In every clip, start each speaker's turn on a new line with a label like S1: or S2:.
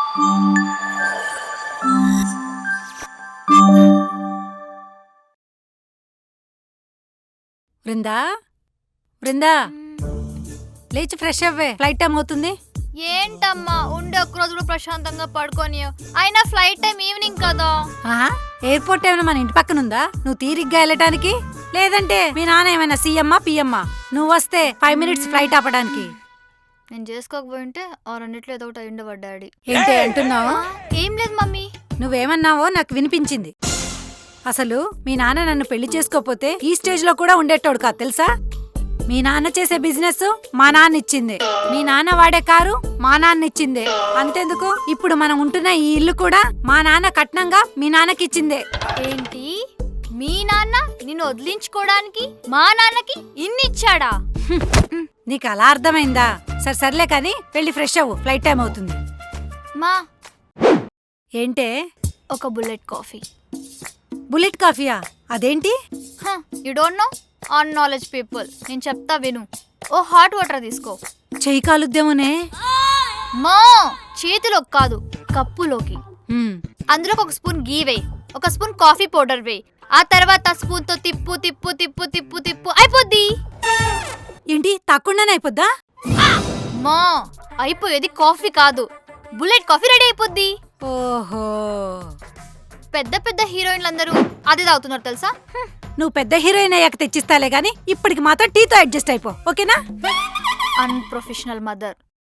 S1: బృందా, బృందా, లేచి ఫ్రెష్ అవ్వే, flight time అవుతుంది.
S2: ఏంటమ్మా ఉండే ఒక్కరోజు కూడా ప్రశాంతంగా పడుకోని, అయినా ఫ్లైట్ టైం ఈవినింగ్ కదా.
S1: ఎయిర్పోర్ట్ ఏమైనా మన ఇంటి పక్కన ఉందా నువ్వు తీరిగ్గా వెళ్ళటానికి? లేదంటే మీ నాన్న ఏమైనా సీఎమ్మా పిఎమ్మా నువ్వు వస్తే 5 minutes ఫ్లైట్ ఆపడానికి?
S2: నేను చేసుకోకపోయింటే ఆ రెండిట్లో ఏదో ఒకటి అయ్యుండేవాడు డాడీ.
S1: ఏంటి అంటున్నావు?
S2: ఏం లేదు మమ్మీ.
S1: నువ్వేమన్నావో నాకు వినిపించింది. అసలు మీ నాన్న నన్ను పెళ్లి చేసుకోపోతే ఈ స్టేజ్ లో కూడా ఉండేటోడు కాదు తెలుసా. మీ నాన్న చేసే బిజినెస్ మా నాన్న ఇచ్చిందే, మీ నాన్న వాడే కారు మా నాన్న ఇచ్చిందే. అంతెందుకు, ఇప్పుడు మనం ఉంటున్న ఈ ఇల్లు కూడా మా నాన్న కట్నంగా మీ నాన్నకి ఇచ్చిందే.
S2: ఏంటి, మీ నాన్న నిన్ను వదిలించుకోవడానికి మా నాన్నకి ఇన్ని ఇచ్చాడా?
S1: నీకు అలా అర్థమైందా? సర్లే కానీ వెళ్ళి ఫ్రెష్ అవ్వు, ఫ్లైట్ టైం అవుతుంది.
S2: మా
S1: ఏంటే?
S2: ఒక బుల్లెట్ కాఫీ.
S1: బుల్లెట్ కాఫీయా? అదేంటి?
S2: You don't know on knowledge people. నేను చెప్తా విను. ఓ హాట్ వాటర్ తీసుకో.
S1: చెయ్యి కాలుద్దేమోనే.
S2: మా చేతిలోకి కాదు, కప్పులోకి. అందులోకి ఒక స్పూన్ గీ వేయి, ఒక స్పూన్ కాఫీ పౌడర్ వేయి, ఆ తర్వాత స్పూన్ తో తిప్పు తిప్పు తిప్పు తిప్పు తిప్పు అయిపోద్ది.
S1: ఏంటి, తక్కువనే అయిపోద్దా?
S2: మా అయిపోయేది కాఫీ కాదు, బుల్లెట్ కాఫీ రెడీ అయిపోద్ది.
S1: ఓహో,
S2: పెద్ద పెద్ద హీరోయిన్లందరూ అదే తాగుతున్నారు తెలుసా.
S1: నువ్వు పెద్ద హీరోయిన్ అయ్యాక తెచ్చిస్తాలే గానీ ఇప్పటికి మాత్రం టీతో అడ్జస్ట్ అయిపో, ఓకేనా?
S2: Unprofessional mother.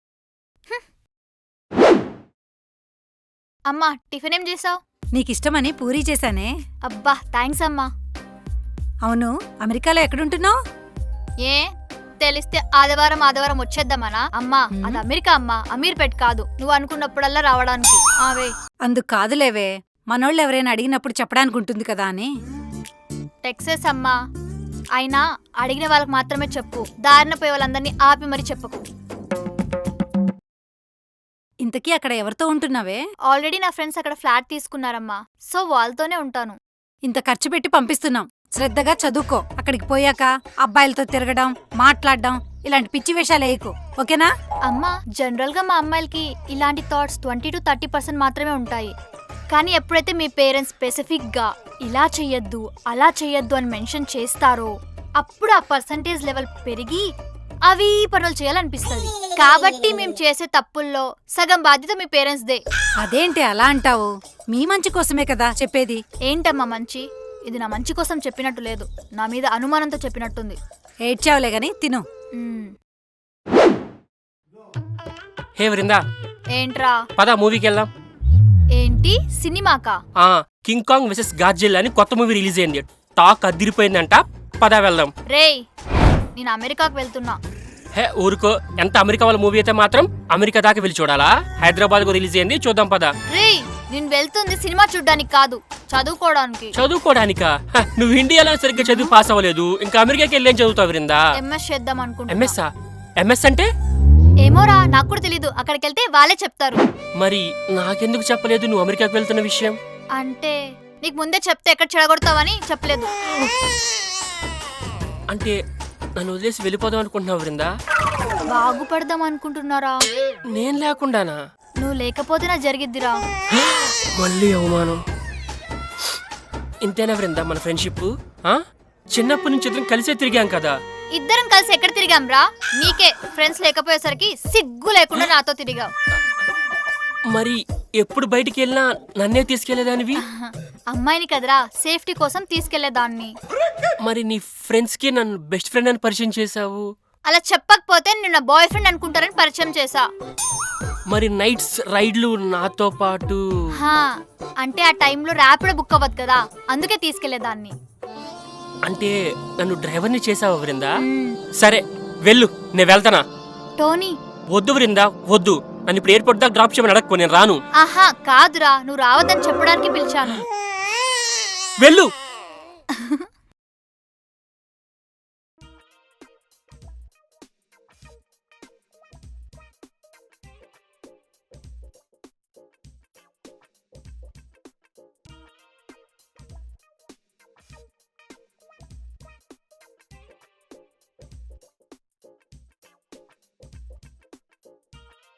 S2: అమ్మా టిఫిన్ ఏం చేసావు?
S1: నీకిష్టమని పూరీ చేశానే.
S2: అబ్బా థ్యాంక్స్ అమ్మా.
S1: అవును, అమెరికాలో ఎక్కడుంటున్నావు?
S2: ఏ తెలిస్తే ఆదివారం వచ్చేద్దామనా? అమ్మా అది అమెరికా అమ్మా, అమీర్పేట్ కాదు. నువ్వు అనుకున్నప్పుడల్లా రావడానికి. ఆవే
S1: అందుకు కాదులేవే, మనోళ్ళు ఎవరైనా అడిగినప్పుడు చెప్పడానికి ఉంటుంది కదా అని.
S2: టెక్సస్ అమ్మా, అయినా అడిగిన వాళ్ళకి మాత్రమే చెప్పు, దారిన పోయే వాళ్ళందరినీ ఆపి మరీ చెప్పకు.
S1: ఇంతకీ అక్కడ ఎవరితో ఉంటున్నావే?
S2: ఆల్రెడీ నా ఫ్రెండ్స్ అక్కడ ఫ్లాట్ తీసుకున్నారమ్మా, సో వాళ్ళతోనే ఉంటాను.
S1: ఇంత ఖర్చు పెట్టి పంపిస్తున్నాం, శ్రద్ధగా చదువుకో. అక్కడికి పోయాక అబ్బాయిలతో తిరగడం, మాట్లాడడం ఇలాంటి పిచ్చి వేషాలు వేయకు, ఓకేనా?
S2: అమ్మా జనరల్ గా మా అమ్మాయిలకి ఇలాంటి థాట్స్ 20 to 30% మాత్రమే ఉంటాయి. కానీ ఎప్పుడైతే మీ పేరెంట్స్ స్పెసిఫిక్ గా ఇలా చెయ్యొద్దు అలా చెయ్యొద్దు అని మెన్షన్ చేస్తారో అప్పుడు ఆ పర్సంటేజ్ లెవెల్ పెరిగి అవి పనులు చేయాలనిపిస్తుంది. కాబట్టి మేము చేసే తప్పుల్లో సగం బాధ్యత మీ పేరెంట్స్ దే.
S1: అదేంటి అలా అంటావు? మీ మంచి కోసమే కదా చెప్పేది.
S2: ఏంటమ్మా మంచి? ఇది నా మంచి కోసం చెప్పినట్టు లేదు, నా మీద అనుమానంతో చెప్పినట్టుంది.
S1: ఏడ్చావులే గాని తిను.
S3: హే వృందా,
S2: ఏంట్రా?
S3: పద మూవీకి వెళ్దాం.
S2: ఏంటి సినిమాకా?
S3: కింగ్ కాంగ్ వెసెస్ గాడ్జిల్లా అని కొత్త మూవీ రిలీజ్ అయింది, టాక్ అదిరిపోయిందంట. పద వెళ్దాం.
S2: రేయ్ నేను అమెరికాకు వెళ్తున్నా.
S3: హే ఊరుకో, ఎంత అమెరికా వాళ్ళ మూవీ అయితే మాత్రం అమెరికా దాకా వెళ్ళి చూడాలా? హైదరాబాద్ కు రిలీజ్ అయింది, చూద్దాం పద.
S2: రేయ్ నేను వెళ్తుంది సినిమా చూడ్డానికి కాదు, చదువుకోవడానికి.
S3: చదువుకోవడానికా? నువ్వు ఇండియాలో సరిగ్గా చదువు పాస్ అవ్వలేదు, ఇంకా అమెరికాకి వెళ్ళేం చదువుతావు వృందా?
S2: ఎంఎస్ చేద్దాం అనుకుంటా.
S3: ఎంఎస్ అంటే?
S2: ఏమోరా నాకు కూడా తెలీదు, అక్కడికి వెళ్తే వాళ్ళే చెప్తారు.
S3: మరి నాకెందుకు చెప్పలేదు నువ్వు అమెరికాకు వెళ్తున్న విషయం?
S2: అంటే నీకు ముందే చెప్తే ఎక్కడ చెడగొడతావని చెప్పలేదు.
S3: అంటే నన్ను వదిలేసి వెళ్ళిపోదాం అనుకుంటున్నావు వృందా?
S2: బాగుపడదాం అనుకుంటున్నారా?
S3: నేను లేకుండానా?
S2: నువ్వు లేకపోతే నా జరిగిద్దిరా.
S3: మళ్ళీ అవమానం. ఇంతేనా వృందా మన ఫ్రెండ్షిప్? చిన్నప్పటి నుంచి ఇద్దరం కలిసే తిరిగాం కదా.
S2: ఇద్దరం కలిసి ఎక్కడ తిరిగాం రా? నీకే ఫ్రెండ్స్ లేకపోయేసరికి సిగ్గు లేకుండా నాతో తిరిగావు.
S3: మరి ఎప్పుడు బయటికి వెళ్ళినా నన్నే తీసుకెళ్లేదానివి?
S2: అమ్మాయిని కదరా, సేఫ్టీ కోసం తీసుకెళ్లేదాన్ని.
S3: మరి నీ ఫ్రెండ్స్ కి నన్ను బెస్ట్ ఫ్రెండ్ అని పరిచయం చేసావు.
S2: అలా చెప్పకపోతే నిన్న బాయ్ ఫ్రెండ్ అనుకుంటారని పరిచయం చేసా.
S3: మరి నైట్స్ రైడ్లు నాతో పాటు?
S2: అంటే ఆ టైంలో ర్యాపిడో బుక్ అవ్వదు కదా, అందుకే తీసుకెళ్లేదాన్ని.
S3: అంటే నన్ను డ్రైవర్ని చేసావు వృందా? సరే వెళ్ళు, నేను వెళ్తానా?
S2: టోనీ
S3: వద్దు వృందా వద్దు, నన్ను ఇప్పుడు ఎయిర్పోర్ట్ దాకా డ్రాప్ చేయమని అడగకు, నేను రాను.
S2: ఆహా కాదురా, నువ్వు రావద్దని చెప్పడానికి పిలిచాను.
S3: వెళ్ళు.